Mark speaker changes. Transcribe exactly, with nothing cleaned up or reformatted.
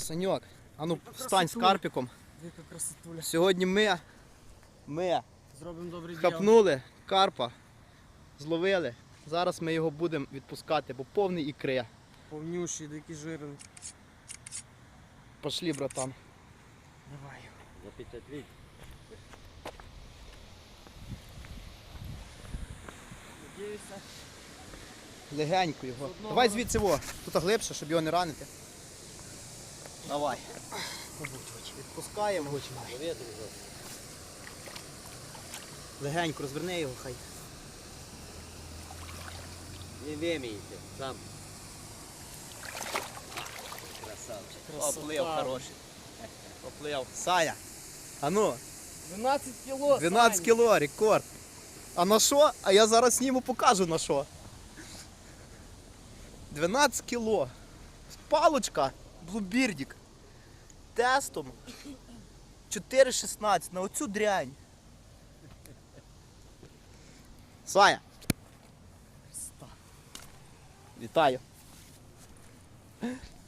Speaker 1: Саньок, а ну встань з карпіком.
Speaker 2: Яка красотуля.
Speaker 1: Сьогодні ми, ми
Speaker 2: Зробимо добре діло.
Speaker 1: хапнули карпа, зловили. Зараз ми його будемо відпускати, бо повний ікри.
Speaker 2: Повнющий, такий жирний.
Speaker 1: Пошли, братан.
Speaker 2: Давай.
Speaker 3: Запечатліть.
Speaker 2: Надіюся.
Speaker 1: Легенько його.
Speaker 2: Одного.
Speaker 1: Давай звідси во. Тут глибше, щоб його не ранити. Давай. Відпускаємо. Легенько розверни його хай.
Speaker 3: Не вимійте, сам. Красавчик.
Speaker 2: Красота.
Speaker 1: Оплив хороший. Оплив. Саня. А ну,
Speaker 2: дванадцять кіло.
Speaker 1: дванадцять
Speaker 2: Сань.
Speaker 1: кіло, рекорд. А на що? А я зараз сніму покажу на що. дванадцять кіло. Палочка, блубірдік. Тестом. чотири шістнадцять на оцю дрянь. Саня.
Speaker 2: Красота.
Speaker 1: Вітаю.